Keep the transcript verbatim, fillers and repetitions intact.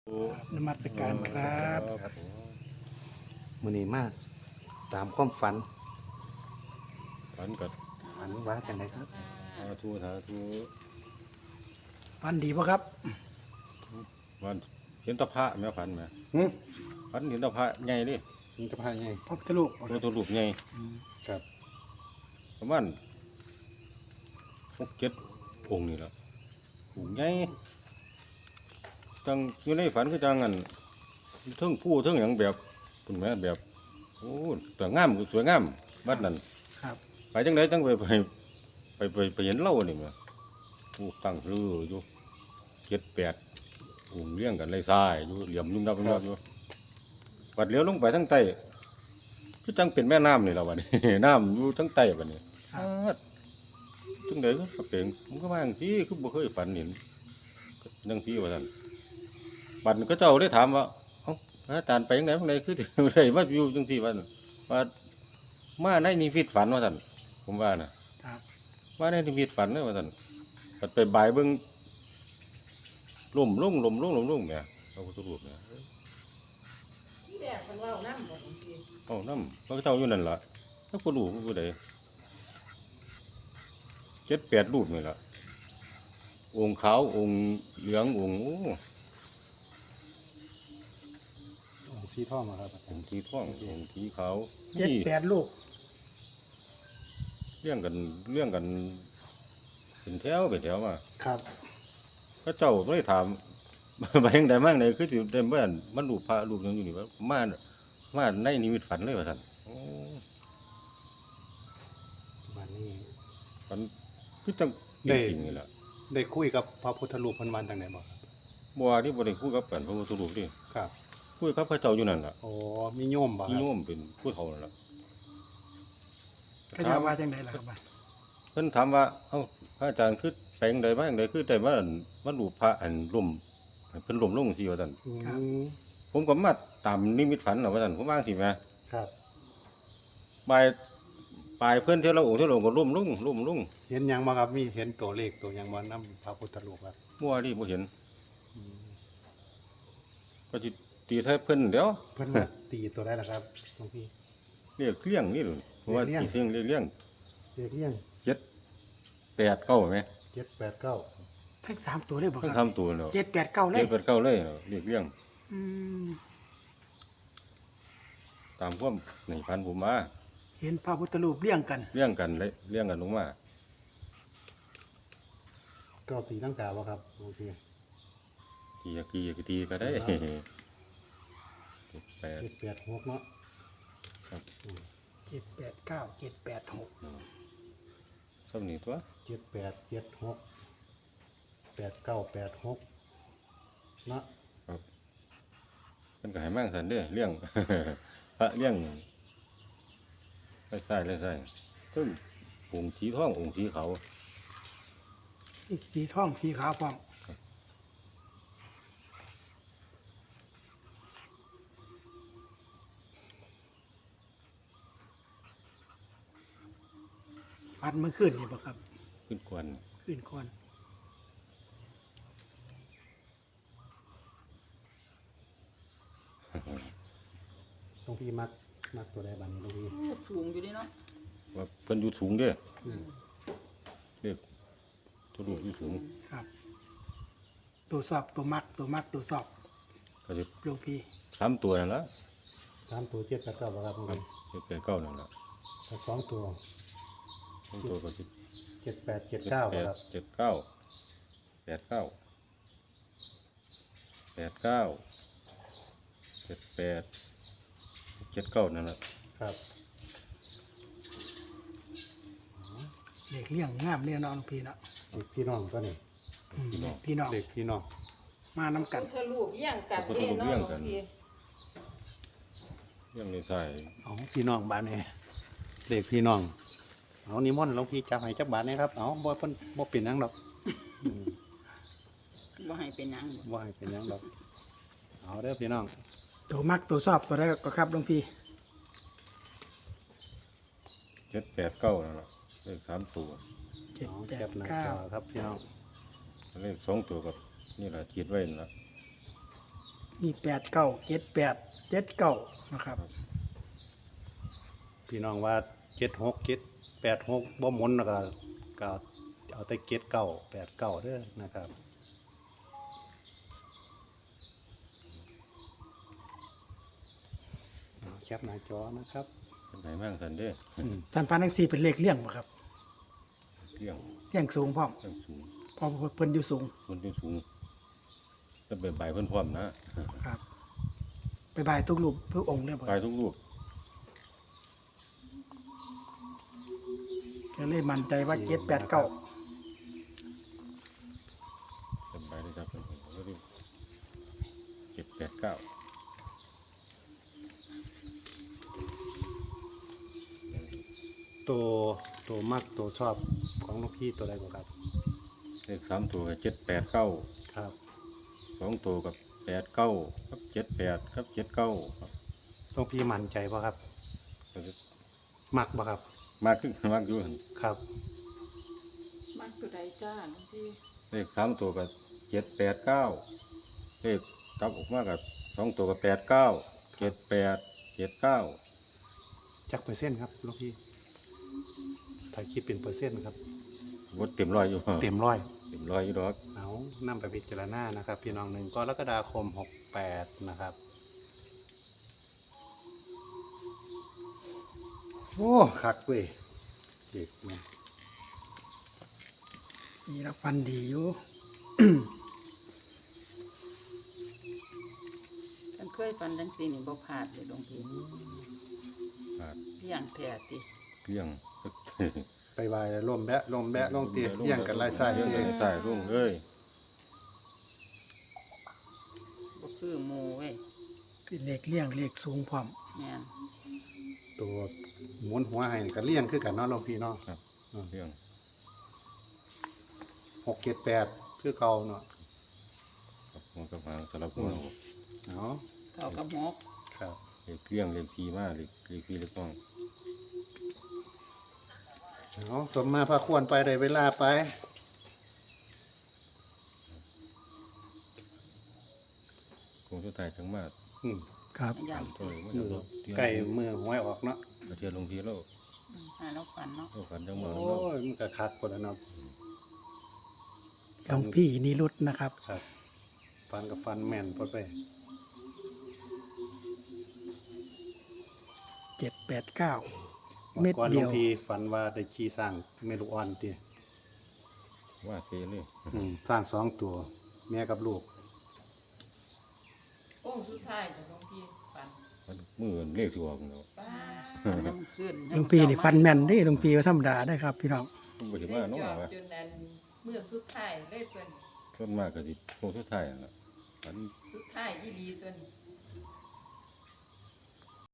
นมัสการครับมื้อนี้มาตามความฝันฝันกับฝันว่าจังไดครับสาธุสาธุฟันดีปะครับวันเห็นตะพระแม่ฝันไหมหึฝันเห็นตะพระใหญ่ดิมีกระพายไงพระพุทธรูปตัวตัวรูปใหญ่ครับประมาณหกเจ็ดองค์นี่แหละองค์ใหญ่จังอยู่ในฝันก็จังอันเทิงผู้เทิงอย่างแบบคุณแม่แบบโอ้แต่งามสวยงามบัดนั้นครับไปจังไดจังไปไปไปไปไปเห็นเล่านี่มั้ยผู้ตั้งชื่ออยู่เจ็ดแปดองค์เลี้ยงกันเลยทรายอยู่เหลี่ยมยุ่งนับยุ่งนับอยู่ปัดเลี้ยวลงไปทั้งใต้คือจังเป็นแม่น้ำนี่แล้วบัดนี้ น้ำอยู่ทั้งใต้บัดนี้อ้าจังไดก็เป็นมันก็ว่าจังซี่คือบ่เคยฝันเห็นจังซี่ว่าซั่นบัดก็เจ้าได้ถามว่าเอ้าพระอาจารย์ไปจังได๋จังไดคือได้มาอยู่จังซี่ว่าซั่นว่ามาในนิมิตฝันว่าซั่นผมว่าน่ะครับว่าในนิมิตฝันเด้อว่าซั่นบัดไปบ่ายเบิ่งล่มลงล่มลงล่มลงแหมพระพุทธรูปเนี่ยที่แรกมันเล่าน้ำบ่บางทีเอ้าน้ำพระเจ้าอยู่นั่นล่ะถ้าผู้รู้ผู้ใดเจ็ดแปดรูปนี่ล่ะองค์ขาวองค์เหลืององค์โอ้องค์สีทองอะครับอาจาอรง ย์ค์สีทององค์สีขาวเจ็ดนี่แปดลูกเรื่องกันเรื่องกันเป็นแถวเป็นแถวมาครับพระเจ้าไม่ได้ถาม ไปยังใดมั่งไหนคือสิได้เมื่อมันรูปพระรูปหยังอยู่นี่ว่ามามาในนิมิตฝันเลยว่าซั่นโอ้วันนี้ฝันคือจังได้จริงๆนี่ล่ะได้คุยกับพระพุทธรูปเพิ่นวันจังไดบ่ครับบ่ว่าที่บ่ได้คุยกับกันพระพุทธรูปนี่ครับคุยกับพระเจ้าอยู่นั่นล่ะโอ้มีโยมบ่คมีรับโยมเป็นผู้เฒ่านั่นล่ะก็จะว่าจังไดล่ะครับว่าเพิ่นถามว่าเอ้าพระอาจารย์คือแปลงใดมาจังไดคือได้มามารูปพระอันล่มเพิ่นล่มลงจังซี่ว่าซั่นอืมผมก็มาตามนิมิตฝันน่ะว่าซั่นผมว่าจังซี่แหมครับปลายปลายเพิ่นเท่าละองค์เท่าละองค์ก็ล่มลงล่มลงเห็นหยังบ่ครับมีเห็นตัวเลขตัวหยังบ่นำพระพุทธรูปครับบ่ว่าดิบ่เห็นอืมก็สิตีใส่เพิ่นเดี๋ยวเพิ่นว่าตีตัวได้ล่ะครับหลวงพี่เรียกเลี้ยงนี่ดูเพราะว่าเรียกตีเสียงเรียกเลี้ยงเลขเรียงเจ็ดแปดเก้าไหมเจ็ดแปดเก้าทั้งสามตัวเลยบ่เพิ่งครับทำตัวเนาะเจ็ดแปดเก้าเลเจ็ยดแปดเก้าเลยเนาะเรียกเลี้ยงอืมตามความในพันผมมาเห็นพระพุทธรูปเลี้ยงกันเลี้ยงกันเลยเลี้ยงกันลงมาก็ตีลังกาบ่ครับหลวงพี่ทีอยากทีอยากทีก็ได้ครับเจ็ดแปดเจ็ดแปดหกเนาะครับอืมเจ็ดแปดเก้าเจ็ดแปดหกเนาะสำนีตัวเจ็ดแปดเจ็ดหกแปดเก้าแปดหกเนาะครับเป็นก็ให้มั่งสันเด้อเลี้ยง พระเลี้ยงใส่ใส่เลยใส่ซึ่งองค์สีทององค์สีขาวสีทองสีขาวพร้อมฟันเมื่อคืนนี่บ่ครับขึ้นกวนคืนก่อนหลวงพี่มักมักตัวใดบ้างนี่หลวงพี่โอ้สูงอยู่ดิเนาะว่าเพิ่นอยู่สูงเด้ออืมเรียกตัวลูกอยู่สูงครับ ตัวสอบตัวมักตัวมักตัวสอบก็จะหลวงพี่สามตัวนั่นละสามตัวเจ็ดแปดเก้าบ่ครับหลวงครับพี่เจ็ดแปดเก้านั่นละถ้าสองตัวสองตัวก็จะเจ็ดแปดเจ็ดเก้าแปบ่ดครับเจ็ดเก้าแปดเก้าแปดเก้าเจ็ดแปดเจ็ดเก้านั่นแหละครับเด็กเลี้ยงงามเนี่ยเนาะหลวงพี่เนาะเด็กพี่น้องก็นี่อืมพี่น้องเด็กพี่น้องมาน้ำกันพุทธรูปเลี้ยงกันเด้เนาะบางทีเรื่องในใส่เอาพี่น้องบ้านนี่เด็กพี่น้องเอานิมนต์หลวงพี่จับให้จับบาทนะครับเอาบ่เพิ่นบ่เป็นหยังดอกอืมบ่ให้เป็นหยังบ่บ่ให้เป็นหยังดอกเอาเด้อพี่น้องตัวมักตัวสอบตัวได้ก็ครับหลวงพี่เจ็ดแปดเก้านั่นแหละเลขสามตัวเจ็ดเอาแปแคดปหน้าเก้าจอครับพี่น้องเลขสองตัวกับนี่แหละขีดไว้นั่นละมีแปดเก้าเจ็ดแปดเจ็ดเก้านะครับพี่น้องว่าเจ็ดหกเจ็ดแปดหกบ่หมุนแล้วก็ก็เอาแต่เจ็ดเก้าแปดเก้าเด้อนะครับเอาแคปหน้าจอนะครับเป็นไหนบ้างสันเด้อืมสันฟันทั้งสี่เป็นเลขเลี่ยงบ่ครับเรื่องเลี่ยงสูงพร้อมเรื่องสูงเพอเพิ่นอยู่สูงคนที่สูงจะเป็นใบเพิ่นพร้อมนะครับไปบายทุกรูปทุกองค์เลยบ่ไปทุกรูปก็เลยมั่นใจว่าเจ็ดแปดเก้าเป็นใบเลยครับเป็นผมก็ดูเจ็ดแปดเก้าตัวตัวมักตัวชอบของลูกพี่ตัวใดบ่ครับเลขสามตัวกับเจ็ดแปดเก้าครับสองตัวกับแปดเก้าครับเจ็ดแปดครับเจ็ดเก้าครับลูกพี่มั่นใจบ่ครับ มักบ่ครับมากขึ้นมากอยู่หั่นครับมักตัวใดจ้าหลวงพี่เลขสามตัวกับเจ็ดแปดเก้าเลขกลับออกมากับสองตัวกับแปดเก้าเจ็ดแปดเจ็ดเก้าจักเปอร์เซ็นต์ครับลูกพี่ถ้าคิดเป็นเปอร์เซ็นต์ครับวดเต็มร้อยอยู่เต็มร้อยเต็มร้อยอยู่ดอกเอานำไปพิจารณานะครับ พี่น้องหนึ่งกรกฎาคมหกแปดนะครับ โอ้คักเว้ยเด็กมันนี่ละฟันดีอยู่ฉันเคยฟันจังซี่นี่บ่พลาดเลยหลวงพี่ขาดเพียงแท้ติเกลี้ยงไปวายร่มแบะร่มแบะร่มเตียเลี้ยงกันไล่ไส้เลี้ยงเอกันงไล่ไส้รุ่งเอ้ยบ่คือหมู่เว้ยเป็นเลขเลี่ยงเลขสูงพร้อมแม่นตัวหมุนหัวให้ก็เลี้ยงคือกันเนาะหลวงพี่เนาะครับเลี้ยงหกเจ็ดแปดคือเก่าเนาะครับหัวกับหางสลับหัวเอาเอาเท่ากับหกครับเลี้ยงเกลี้ยงเลี้ยงพีมากเลี้ยงเลี้ยงพีเล็กน้องเอาสมมาพระควรไปได้เวลาไปคงสุดท้ายทั้งมาอืมครับอย่างตัวเลยมันมืจะอเที่ยวใกล้มือหวยออกเนาะเที่ยวลงพีแล้วอืมหาแล้วฟันเนาะโอ้กันจังหโอ้วะแล้วยมันก็คักคนละเนาะหลวงพี่นิรุตนะครับครับ ฟันกับฟันแม่นพอไปเจ็ดแปดเก้าเม็ดก่อนหลเดีวยงวพี่ฝันว่าได้ขี่สร้างเมลูกอ่อนติว่าเทเลยอืมสร้างสองตัว แม่กับลูกโอ้สุดท้ายของหลวงพี่ฟันมันมือเรียกสิออกแล้วป้าน้ำขึ้นหลวงพี่นี่ฟันแม่นเด้หลวงพี่ก็ธรรมดาได้ครับ พี่น้องต้องไปถึงว่าน้องว่าจนนั้นเมื่อสุดท้ายเลยเพิ่นส่วนมากก็สิคงสุดท้ายนั่นล่ะอันสุดท้ายอีหลีเพิ่น